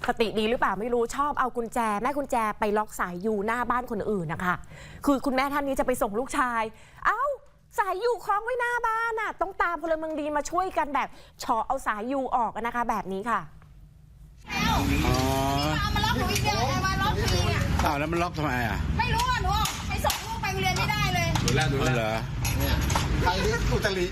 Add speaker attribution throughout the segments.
Speaker 1: สติดีหรือเปล่าไม่รู้ชอบเอากุญแจแม่กุญแจไปล็อกสายยูหน้าบ้านคนอื่นนะคะคือคุณแม่ท่านนี้จะไปส่งลูกชายเอ้าสายยูคล้องไว้หน้าบ้านน่ะต้องตามพลเมืองดีมาช่วยกันแบบเฉาะเอาสายยูออกนะคะแบบนี้ค่ะ
Speaker 2: เอามาล็อกหนูอีกเนี่ยมาล็อกทีเนี่ย
Speaker 3: อ้าวแล้วมันล็อกทำไมอ่ะ
Speaker 2: ไม่รู้อ่ะหนูไปส่งลูกไปโรงเรียนไม่ได้เลย
Speaker 3: ดูแลเหรอ
Speaker 4: ใครเรียกอุตริ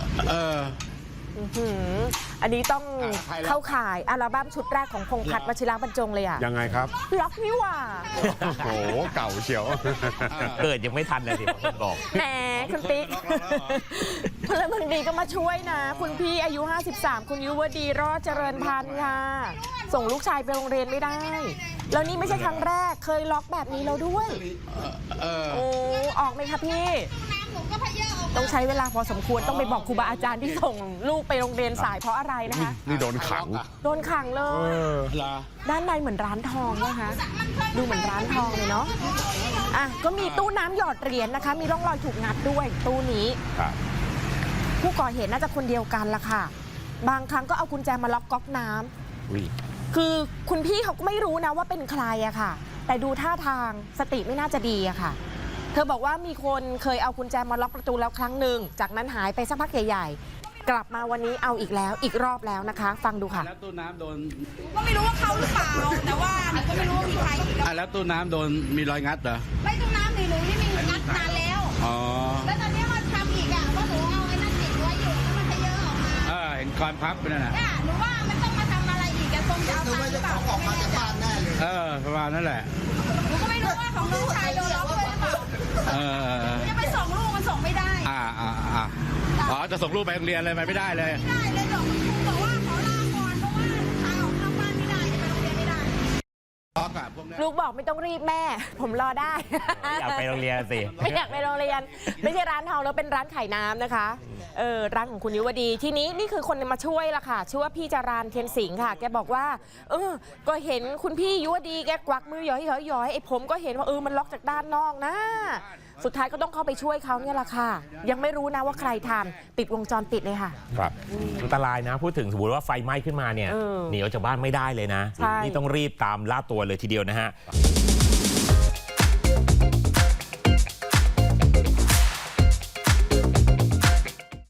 Speaker 1: อันนี้ต้องเข้าข่ายอัลบั้มชุดแรกของพงษ์พัฒน์วชิระบรรจงเลยอะ
Speaker 5: ยังไงครับ
Speaker 1: ล็อกนี่หว่า
Speaker 5: โอ้โหเก่าเชียว
Speaker 6: เกิดยังไม่ทันเลยที่คนบอก
Speaker 1: แหมคุณติ๊กพลเมืองดีก็มาช่วยนะคุณพี่อายุ53คุณยุวดีรอดเจริญพันธ์ค่ะส่งลูกชายไปโรงเรียนไม่ได้แล้วนี่ไม่ใช่ครั้งแรกเคยล็อกแบบนี้แล้วด้วยโอ้ออกไหมคะพี่ต้องใช้เวลาพอสมควรต้องไปบอกครูบาอาจารย์ที่ส่งลูกไปโรงเรียนสายเพราะอะไรนะคะ
Speaker 5: นี่โดนขัง
Speaker 1: เลยด้านในเหมือนร้านทองนะคะดูเหมือนร้านทองเลยเนาะอ่ะก็มีตู้น้ำหยอดเหรียญนะคะมีร่องรอยถูกงัดด้วยตู้นี้ผู้ก่อเหตุน่าจะคนเดียวกันละค่ะบางครั้งก็เอากุญแจมาล็อกก๊อกน้ำคือคุณพี่เขาก็ไม่รู้นะว่าเป็นใครอะค่ะแต่ดูท่าทางสติไม่น่าจะดีอะค่ะเธอบอกว่ามีคนเคยเอากุญแจมาล็อกประตูแล้วครั้งหนึ่งจากนั้นหายไปสักพักใหญ่ๆกลับมาวันนี้เอาอีกแล้วอีกรอบแล้วนะคะฟังดูค่ะ
Speaker 3: แล้วตู้น้ำโดน
Speaker 2: ก็ไม่รู้ว่าเขาหรือเปล่าแต่ว่าหนูก็ไม่รู้ว่ามีใคร
Speaker 3: แล้วตู้น้ำโดนมีรอยงัดเหรอ
Speaker 2: ไม่ตู้น้ำหนูนี่มีงัดนานแล้วแล้วตอนนี้มาทำอีกอ่ะว่าหนูเอาไอ้นั่นติดไว้อยู่มันจะเยอะออกมา
Speaker 3: เห็นกรพับไปนั่นน่ะ
Speaker 2: หนูว่ามันต้องมาทำอะไรอีกอะคงจะเอาตังค์หรือเปล่า
Speaker 4: ออกมาจากบ้านแน่เลย
Speaker 3: ประมาณนั่นแหละ
Speaker 2: หนูก็ไม่รู้ว่าของลูกชายโดนล็อกด้วยหรือเปล่าจะไปส่งลูกมันส่งไม่ได้
Speaker 3: จะส่งลูกไปโรงเรียนเลยไม่ได้เลย
Speaker 2: ไม่ได้เลยบอกคุณครูบอกว่าขอลาก่อนเพราะว่าพาออกนอกบ้านไม่ได้จะไปโรงเรียนไม่ได้
Speaker 1: ลูกบอกไม่ต้องรีบแม่ผมรอได้
Speaker 6: อยากไปโรงเรียนสิ
Speaker 1: ไม่อยากไปโรงเรียนไม่ใช่ร้านทองแล้วเป็นร้านขายน้ำนะคะร้านของคุณยุวดีทีนี้นี่คือคนมาช่วยละค่ะชื่อว่าพี่จารานเทียนสิงห์ค่ะแกบอกว่าก็เห็นคุณพี่ยุวดีแกกวักมือย้อยไอ้ผมก็เห็นว่ามันล็อกจากด้านนอกนะสุดท้ายก็ต้องเข้าไปช่วยเขาเนี่ยแหละค่ะยังไม่รู้นะว่าใครทำติดวงจรปิดเลยค่ะ
Speaker 6: ครับอันตรายนะพูดถึงสมมติว่าไฟไหม้ขึ้นมาเนี่ยหนีออกจากบ้านไม่ได้เลยนะนี่ต้องรีบตามล่าตัวเลยทีเดียวนะฮะ